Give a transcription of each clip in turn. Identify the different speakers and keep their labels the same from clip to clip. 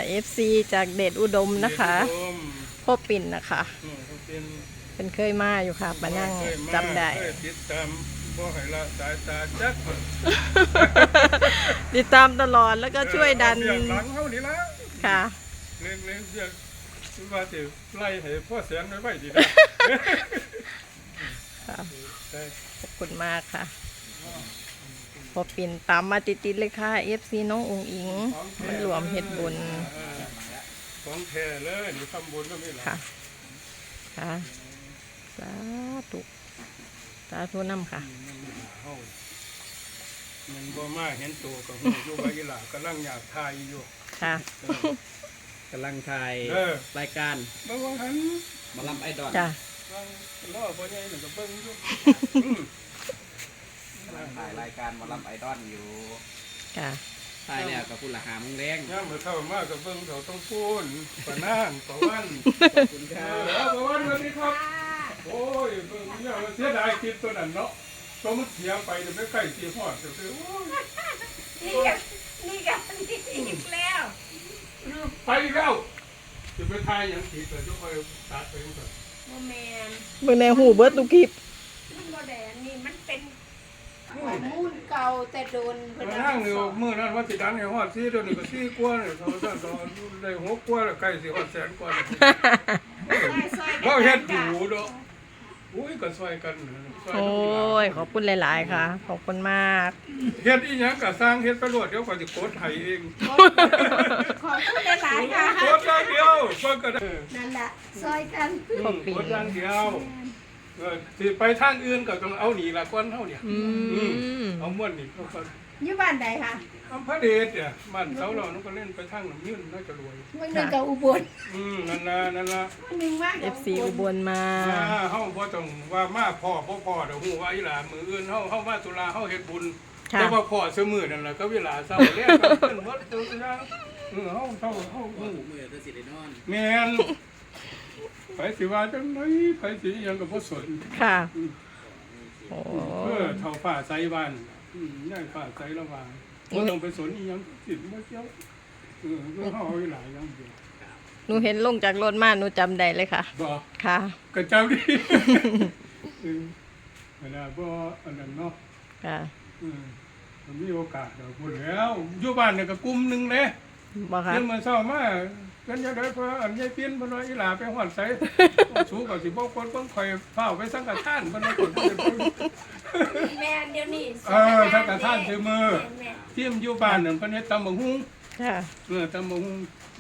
Speaker 1: FC จากเดชอุดมนะคะพ่อปิ่นนะคะเป็นเคยมาอยู่ค่ะมานั่งจำได้
Speaker 2: ติดตามบ่ให้ละสายตาจัก
Speaker 1: ติดตามตลอดแล้วก็ช่วยดัน
Speaker 2: หลังเฮานี่ละ
Speaker 1: ค่ะ
Speaker 2: เล่นเสียว่าสิไล่ให้พ่อเสียงไว้ดีนะ
Speaker 1: ค่ะขอบคุณมากค่ะพอปิ่นตามมาติดๆเลยค่ะ FC น้ององอิงมันรวมเฮ็ดบุญ
Speaker 2: ของแท้เลยนี่ทำบุญก็ไม่หรอก
Speaker 1: ค่ะค่ะสาธุสาธุนำค่ะ
Speaker 2: มันบ่มาเห็นตัวก็หูอยู่ว่าอีหล่ากำลังอยากทายอยู่
Speaker 1: ค่ะ
Speaker 3: กำลังถ่ายรายการ
Speaker 2: บ่ว่าหัน
Speaker 3: มาลำไอดอล
Speaker 1: จ้ะ
Speaker 2: ล้อบ่ใหญ่หนึ่งก็เบิ่งอยู่
Speaker 3: ถ่ายรายการมาลำไอดอลอยู่
Speaker 1: ค่ะ
Speaker 3: ถ่ายแล้วกับคุณละหามึงแรง
Speaker 2: ย่าเมื่อเข้ามากกับเบิ่งเขาต้องพูนปะนางปะวัน
Speaker 3: ขอบคุณครับ
Speaker 2: ปะวันสวัสดีครับโอ้ยเบิ่งเนี่ยเสียดายคลิปตัวนั้นเนาะตัวมันเสียไปเดี๋ยวไม่ใกล้สีหอดเดี๋ยวโอ้ย
Speaker 4: นี่อีกแล้ว
Speaker 2: ไปแล้วจะไปทายอย่างผิดแต่จะคอยตัดไปก่อน
Speaker 4: โมเมน
Speaker 1: เบิ่งแนวหูเบิดทุกคลิป
Speaker 4: มันโมเดลนี่มันเป็นมูนเก่าแต่โดน
Speaker 2: เพิ่นนั่งอยู่มื้อนั้นว่าสิดังให้ฮอด4เดี๋ยวนี้ก็4กว่าเนี่ยเขาซั่นก็ได้6กว่าแล้วใกล้สิฮอดแสนกว่าแล้วบ่เฮ็ดอยู่ดอกอุ้ยก็ช่วยกัน
Speaker 1: โอ้ยขอบคุณหลายๆค่ะขอบคุณมาก
Speaker 2: เฮ็ดอีหยังก็สร้างเฮ็ดไปโลดเดี๋ยวก็สิโกดให้เอง
Speaker 4: ขอบคุณหลายๆค่ะ
Speaker 2: โกดอย่างเดียวเพิ่นก็ได้
Speaker 4: นั่นแหละซอยกัน
Speaker 2: โกดอย่างเดียวสิไปทางอื่นก็ต้องเอานี่ล่ะก่อนเฮาเนี่ยเอาม่วนนี่เขาก็
Speaker 4: อยู่บ้านใดคะ
Speaker 2: อำเภอเดชเนี่ยบ้านเสาเรานก็เล่นไปทางน้ำยืนน่าจะรวย
Speaker 4: มันนึงกับอุบล
Speaker 2: นั่นล่ะ
Speaker 4: นึงมาก
Speaker 1: FC อุบลมา
Speaker 2: เฮาบ่ต้องว่ามาพ่อเดี๋ยวฮู้ว่าอีหล่ามื้ออื่นเฮามาตุลาเฮาเฮ็ดบุญแต่ว่าพ่อซุมื้อนั่นล่ะก็เวลาเช้าแลงก็ขึ้นวัดตัวอย่างเฮา
Speaker 3: ฮู้มื้อจะสิได้นอน
Speaker 2: แม่นไปสิว่าจังได๋ไปสิหยังก็บ่สน
Speaker 1: ค่ะโอ้
Speaker 2: เท่าฟ้าใสบ้านย่างฟ้าใสระหว่างบ่ต้องไปสนอีหยังสิบ่เกี่ยวเฮาเอาอีหล่าอย่างเดียว
Speaker 1: หนูเห็นลงจากรถมาหนูจำได้เลยค่ะ
Speaker 2: บ่
Speaker 1: ค่ะ
Speaker 2: ก็จำดิเวลาบ่อันนั้นเนาะ
Speaker 1: ค่ะ
Speaker 2: มันมีโอกาสดอกพุ่นแล้วอยู่บ้านเนี่ยก็กลุ่มนึงเด้
Speaker 1: บ่ค่ะ
Speaker 2: เพิ่นมาเช้ามากันจังได๋เพราะอันยายเปลี่ยนเพิ่นว่าอีหล่าไปฮอดไสสูก็สิบ่คนเพิ่นค่อยฟ้าวไปสังฆทานเพิ่นว่าคน
Speaker 4: แม่เดี๋ยวนี้
Speaker 2: สังฆทานซื้อมือทีมอยู่บ้านนั่นเพิ่นเฮ็ดตำบักหุ่ง
Speaker 1: ค่ะ
Speaker 2: ตำบักหุ่ง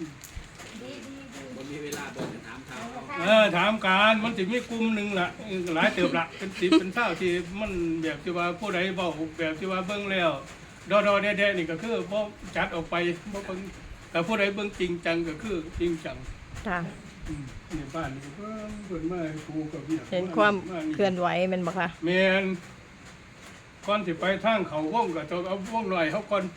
Speaker 3: บ่มีเวลาบ่ถาม
Speaker 2: ถามการมันสิมีกลุ่มนึงล่ะหลายเติบละเป็น10เป็น20ที่มันแบบที่ว่าผู้ใดเว้าแบบที่ว่าเบิ่งแล้วดอๆแดๆนี่ก็คือบ่จัดออกไปบ่เบิ่งแต่ผู้ใดเบิ่งจริงจังก็คือจริงจัง
Speaker 1: ค่ะ
Speaker 2: ในบ้านนี่เพิ่นมาครูกับเวีย
Speaker 1: เห็นความเคลื่อนไหวแม่นบ่คะ
Speaker 2: แม่นก่อนสิไปทางเขาวงก็ต้องเอาวงหน่อยเฮาก่อน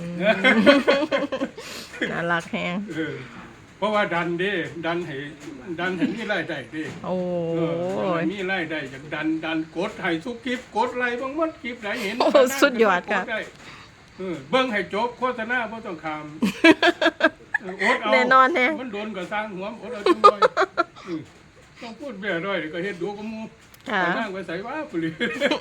Speaker 1: น่ารักแฮง
Speaker 2: เพราะว่าดันให้มีรายได้เด้
Speaker 1: โอ้
Speaker 2: ยมีรายได้จากดันกดให้ทุกคลิปกดไลค์บางมันคลิปไหนเห็น
Speaker 1: สุดยอดค่ะ
Speaker 2: เบิ่งให้จบโฆษณาบ่ต้องข้ามอดเอา
Speaker 1: แน่นอนแน่
Speaker 2: มันโดนก็สร้างหัวอดเอาจังหน่อยต้องพูดแบ่น้อยก็เฮ็ดดูกับหมู่นั่งไปใส่ว่าปุริ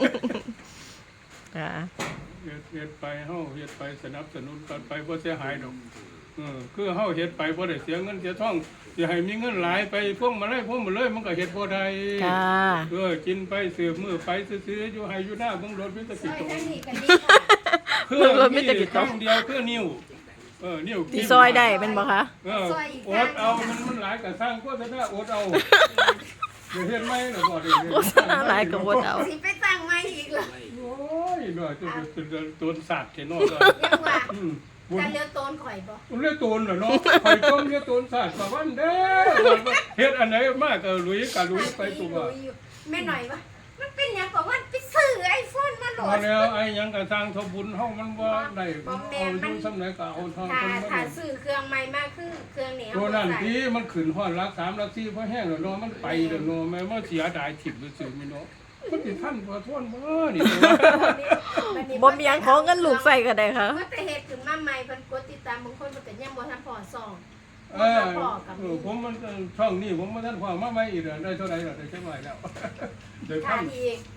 Speaker 1: ค่ะ
Speaker 2: เฮ็ดไปเฮาเฮ็ดไปสนับสนุนกันไปบ่เสียหายดอกคือเฮาเฮ็ดไปบ่ได้เสียเงินเสียทองสิให้มีเงินหลายไปพวกมาเลยมันก็เฮ็ดบ่ได้
Speaker 1: ค่ะ
Speaker 2: กินไปสืบมื้อไปซื้ออยู่ให้อยู่หน้าเบิ่งรถมีแต่สิโตคือมีแต่กิจต้องเดียวคือนิ้วนิ้ว
Speaker 1: ที่ซอยได้เป็นบ่คะ
Speaker 2: อดเอามันหลายก็สร้างโฆษณาอดเอาเฮ็ดใหม่น่ะบ่ได้
Speaker 1: โฆษณาหลายก็อดเอา
Speaker 4: สิไปตั้งใหม่อีกล่ะ
Speaker 2: โอ้ยน้อยจะต้นสัตว์แค่น้อยก็
Speaker 4: ยังว่าการเลี้ยงโตนข่อยบ่
Speaker 2: เลี้ยงโตนเหรอเนาะข่อยต้องเลี้ยงโตนสัตว์ประวันเด้อเฮ็ดอันไหนมากก็ลุยไปตัว
Speaker 4: แม่หน่อยว่ามันเป็นหยังก็ว่าไปซื้อiPhone มาโหลด
Speaker 2: แล้วไอ้หยังก็สร้างทบุญเฮามันบ่ได้เอาอยู่ซำไหนก็เอาทาง
Speaker 4: ถ้าซื้อเครื่องใหม่มาคือเครื่องนี้
Speaker 2: ตัวนั้นที่มันขึ้นฮอดรัก3รัก4พอแห้งแล้วเนาะมันไปแล้วเนาะแม่บ่เสียดายถิ่มซื่อๆนี่เนาะมันสิทันบ่ทนบ่นี่
Speaker 1: บ่มีหยังของเงินลูกใส่ก็ได้ค่ะ
Speaker 4: ว่าแต่เฮ็ดขึ้นมาใหม่เพิ่นกดติดตามบางคนมันก็ยังบ่ทันพอซ่อง
Speaker 2: เออผมมันช่องนี้ผมมาท่านความมาไม่อีกได้เท่าไหร่ได้ใช่ไหมแล้วเดี๋ยว
Speaker 4: ขาด
Speaker 2: ทำ
Speaker 4: อีก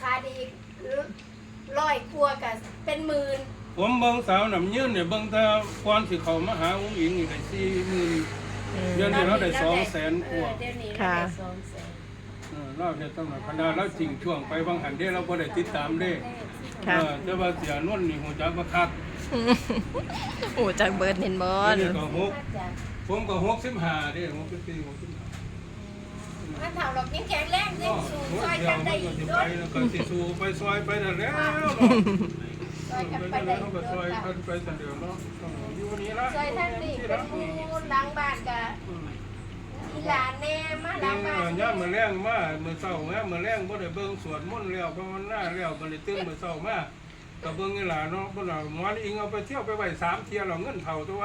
Speaker 4: ร้อยครัวกับเป็นหมื่น
Speaker 2: ผมเบิ่งสาวน้ำยืนเนี่ยเบิ่งแต่ก่อนสิเขามาหาอุ้งอิงนี่ได้40,000เดือนนี้เราได้200,000กว่า
Speaker 4: เดี๋ยวนี้เราได้200,000
Speaker 2: เราเนี่ยต้องคณะเราจริงช่วงไปบางหันเด้เราบ่ได้ติดตามเด้
Speaker 1: ค่ะ
Speaker 2: แต่ว่าเสียนวลนี่ฮู้จักบ่คัก
Speaker 1: โอ้จากเบิร์ดเห็นบอล
Speaker 2: นี่ก็
Speaker 4: มาจาก
Speaker 2: ผมก็65เด้64 65
Speaker 4: มันเท่าเรายังแข็งแรงยังสูงซอยกันได้อีก
Speaker 2: ไป
Speaker 4: ด้วย
Speaker 2: แล้วก็สิสู้ไปซอยไปนั่นแล้ว
Speaker 4: ซอยกัน
Speaker 2: ไป
Speaker 4: ไป
Speaker 2: ได้
Speaker 4: ได้
Speaker 2: เขา
Speaker 4: อีก
Speaker 2: ก็
Speaker 4: ด้
Speaker 2: ซ
Speaker 4: ว
Speaker 2: อย
Speaker 4: ยค่ะ
Speaker 2: กันไปซั่นเดียวเนาะอยู่นี่ละ
Speaker 4: ซอยท่านนี่เป็นหมูหลังบ้านกับอีหลานแน่มาหลังบ้าน
Speaker 2: ย่ามมื้อแรงมามื้อเช้าแม่มื้อแรงบ่ได้เบิ่งสวดมนต์แล้วภาวนาแล้วบ่ได้ตื่นมื้อเช้ามาก็เบิ่งอีหลาเนาะเพิ่นน่ะหมอนอิงเอาไปเที่ยวไปไว้3เที่ยแล้วเงินเท่าตัว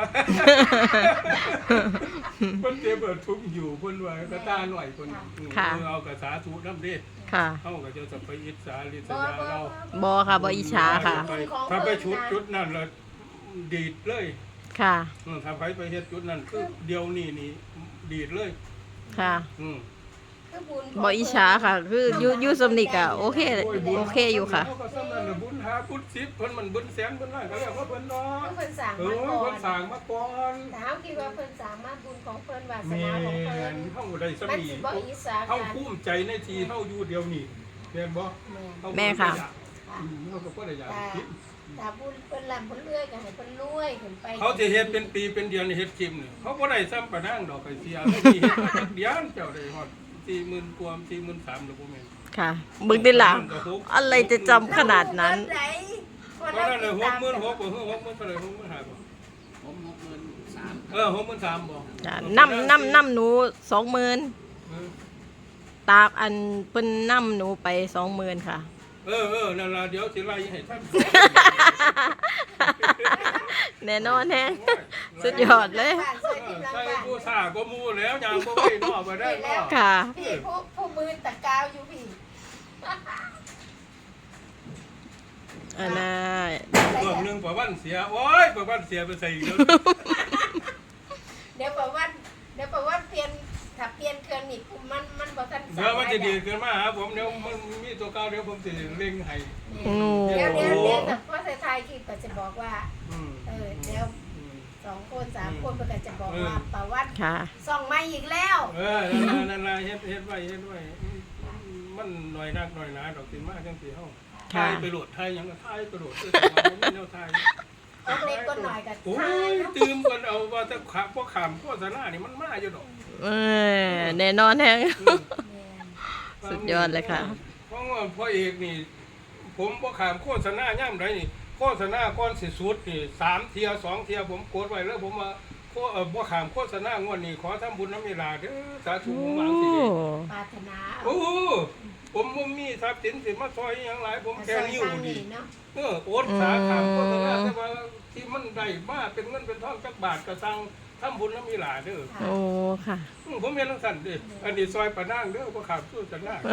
Speaker 2: เพิ่นเจ็บทุกข์อยู่เพิ่นว่าก็ตาหน่อยเพิ่นเอากระสาธุนำเด้
Speaker 1: ค่ะ
Speaker 2: เฮาก็จะไปอิจฉาริษ
Speaker 4: บ่
Speaker 2: ยาเรา
Speaker 1: บอค่ะบออิชาค่ะ
Speaker 2: ถ้าไปจุดนั้นแล้วดีดเลย
Speaker 1: ค่ะ
Speaker 2: ถ้าไปเฮ็ดจุดนั้นคือเดียวนี่ดีดเลย
Speaker 1: ค่ะ บออิ
Speaker 4: อี
Speaker 1: ชาค่ะ คือยูสมนิกอะโอเคอยู่ค่ะ
Speaker 2: เฮาก็ซ้ำนั้นน่ะบุญหาบุญ10เพิ่นมันบุญแสนบุญล้านก็เรียกว่าเพิ่นเนาะ
Speaker 4: เพิ่นสั่ง
Speaker 2: เอ
Speaker 4: มา
Speaker 2: อ
Speaker 4: ก่อ
Speaker 2: เพิ่
Speaker 4: น
Speaker 2: นสร้างมาก่อน
Speaker 4: แต่เฮาคิดว่าเพิ่นสามารถบุญของเพิ่นวาส
Speaker 2: แม่
Speaker 4: นาของเพิ่น
Speaker 2: นเฮาได้ส
Speaker 4: มัน
Speaker 2: มี
Speaker 4: สิบ่อีสา
Speaker 2: เฮา
Speaker 4: กัน
Speaker 2: ภูมิใจในที่เฮาอยู่เดียวนี้แม่นบ่
Speaker 1: แม่ค่ะ
Speaker 2: เฮาก็บ่ได้อยาก
Speaker 4: ตา
Speaker 2: คิด
Speaker 4: ตาบุญเพิ่นลำเพิ่นเลื่อยก็ให้เพิ่นรวยขึ้นไป
Speaker 2: เขาจะเฮ็ดเป็นปีเป็นเดือนเฮ็ดคลิปนี่เขาบ่ได้ซ้ำปะนางดอกไปเสียไม่มีเฮ็ดมาจักเดือนเจ้าได้ฮอด40,000กว่า43,000แล้วบ่แม่น
Speaker 1: ค่ะบึงได้ล่ะอะไรจะจำขนาดนั้น
Speaker 2: เพราะนั้นน่ะ66,000บ่คือ60,000เท่าไหร่65,000บ่
Speaker 3: ผม63,000
Speaker 2: 63,000บ่
Speaker 1: จ้ะน้ำหนู20,000
Speaker 2: เออ
Speaker 1: ตากอันเพิ่นน้ำหนูไป20,000ค่ะ
Speaker 2: นั่นล่ะเดี๋ยวสิไล่ให้ท่าน
Speaker 1: แน่นอนแฮงสุดยอดเลย
Speaker 2: ใส่ผู้ซ่าก็หมู่แล้วยางบ่ไว้นอกบ่ได้เนาะ
Speaker 1: ค่ะ
Speaker 4: พี่ผู้มือตะกาวอยู่พี่
Speaker 1: อันน่ะ
Speaker 2: เรื่องหนึงประวันเสียโอ้ยประวันเสียไปใส่อีกแล้ว
Speaker 4: เดี๋ยวบอกว่าเปลี่ยนถ้าเปลี่ยนเครื่องนี่มันบ่ทัน
Speaker 2: เดี๋ยวมันจะดีขึ้นมาหาผมเดี๋ยวมันมีตัวเก่าเดี๋ยวผมสิเร่งให้
Speaker 1: โอ้
Speaker 4: เดี๋ยวแต่พ่อไทยคิดก็จะบอกว่า
Speaker 2: อืม
Speaker 4: เดี๋ยว2คน3คนมันก็จะบอกว่าประวัติ
Speaker 1: ค่ะ
Speaker 4: ส่องมาอีกแล้ว
Speaker 2: นั่นล่ะเฮ็ดไว้มันหน่อยนักหน่อยหนาดอกสิมาจังสิเฮาทายไปโหลดทายหยังก็ทายไปโหลดคือว่าบ่มีแนวทาย
Speaker 4: คนเล็กคนหน่อยก็
Speaker 2: โอ้
Speaker 4: ทาย
Speaker 2: ย
Speaker 4: เนาะ
Speaker 2: ตื่มกันเอาว่าถ้าขาพวกขามโฆษณานี่มันมาอยู่ดอก
Speaker 1: แน่นอนแฮง สุดยอดเลยค่ะ
Speaker 2: เพราะว่าพ่อเอกนี่ ผมบ่ขามโฆษณาย่ำใดนี่โฆษณาก่อนสิสุดนี่3เที่ย2เที่ยผมกดไว้แล้วผมว่าบ่ขามโฆษณางวดนี้ขอทำบุญน้ำเวลาเด้อสาธุผมหวังสิเด้
Speaker 4: ปรารถนา
Speaker 2: โอ้ผมบ่มีทรัพย์สินสิมาซอยหยังหลายผมแค่นิ้วดี
Speaker 4: เนาะ
Speaker 2: โอดสาขามโฆษณาแต่ว่าที่มันได้มาเป็นเงินเป็นทองจักบาทก็สั่งทำบุญน้ำเวลาเด้อ
Speaker 1: โอ้ค่ะ
Speaker 2: ผมเห็นลังสันเด้อันนี้ซอยปะนางเด้อบ่ขามสู้กันหน้า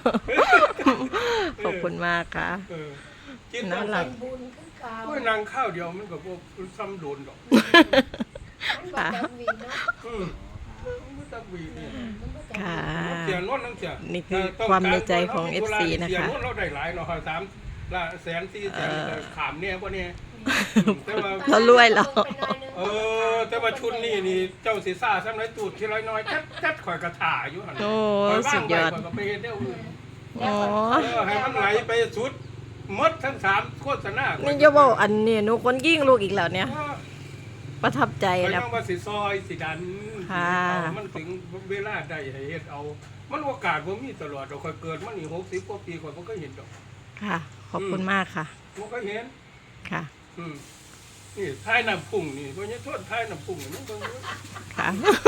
Speaker 1: ขอบคุณมากค่ะ
Speaker 2: กิน
Speaker 1: น่ารัก
Speaker 4: เป็นบุญคือเก่า
Speaker 2: โอ้ยนางข้าวเดียวมันก็บ่ซ้ำโดนดอก
Speaker 4: มันบ่จำวีเนาะ
Speaker 2: มันบ่จักวีนี่
Speaker 4: มันบ่จำ
Speaker 1: ค่ะ
Speaker 2: เสียนวลนั่นเสีย
Speaker 1: นี่คือความในใจของ FC นะคะ
Speaker 2: เสียนวลเราได้หลายเนาะ3 ละแสน4แสนขามเนี่ยบ่เนี่ยแต่ว่า
Speaker 1: เรารวยแล้ว
Speaker 2: แต่ว่าชุดนี่เจ้าสิซ่าซ้ำไรตูดทีไรน้อยจัดข่อยกระถาอยู่หั่น
Speaker 1: โอ้
Speaker 2: ข่อยว่าง
Speaker 1: สุดยอด
Speaker 2: ไว้ข่อยก็ไปเฮ็ดแนวอื่น
Speaker 1: อ๋อ
Speaker 2: ให้มันไหลไปสุดหมดทั้ง3โฆษณา
Speaker 1: นี่จะบอกอันนี้หนูคนยิ่งลูกอีกแล้วเนี่ย ประทับใจ
Speaker 2: ไป
Speaker 1: นะ
Speaker 2: ต้องว่าสิซอยสิดัน
Speaker 1: ค่ะ
Speaker 2: เอามันถึงเวลาได้ให้เฮ็ดเอา มันโอกาสบ่มีตลอดดอกข่อยเกิดมานี่60กว่าปีข่อยบ่เคยเห็นดอก
Speaker 1: ค่ะ ขอบคุณมากค่ะ
Speaker 2: บ่เคยเห็น
Speaker 1: ค่ะ
Speaker 2: นี่ท้ายน้ำพุ่งนี่บ่ยังโทษท้ายน้ำพุ่งนี่มันเบิ่งอยู่
Speaker 1: ค่ะ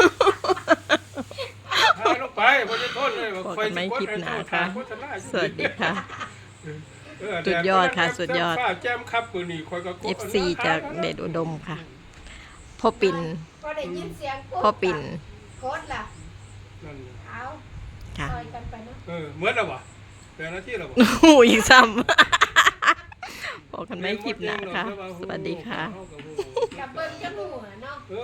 Speaker 2: ท้ายลงไปบ่ยังโทษเลยว่า
Speaker 1: พบ
Speaker 2: ข่อย
Speaker 1: กันใหม่
Speaker 2: สิกด
Speaker 1: คลิป
Speaker 2: ให้
Speaker 1: หน้า
Speaker 2: โทษ
Speaker 1: ค่ะ
Speaker 2: โฆษณาอยู่
Speaker 1: สวัสดีค่ะ
Speaker 2: เออ
Speaker 1: สุดยอดค่ะสุดยอด
Speaker 2: ฟ้าแจ่มครับมื้อนี้ข่อยก็กด
Speaker 1: FC จากเดชอุดมค่ะ พ่อปิ่น
Speaker 4: พอได้ยินเสียงปุ๊บ
Speaker 1: พ่อปิ่น
Speaker 4: โคตรล่ะ
Speaker 2: นั่น
Speaker 4: เอา
Speaker 1: ค่ะ
Speaker 4: ซอยกันไปเนาะ
Speaker 2: เหมือนแล้วบ่เป็นหน้าที่แล้วบ่
Speaker 1: โอ้โหอีกซ้ำพบกันใหม่คลิปหน้าค่ะ สวัสดีค่ะ
Speaker 4: กับเบิ้งจะหัวเนาะ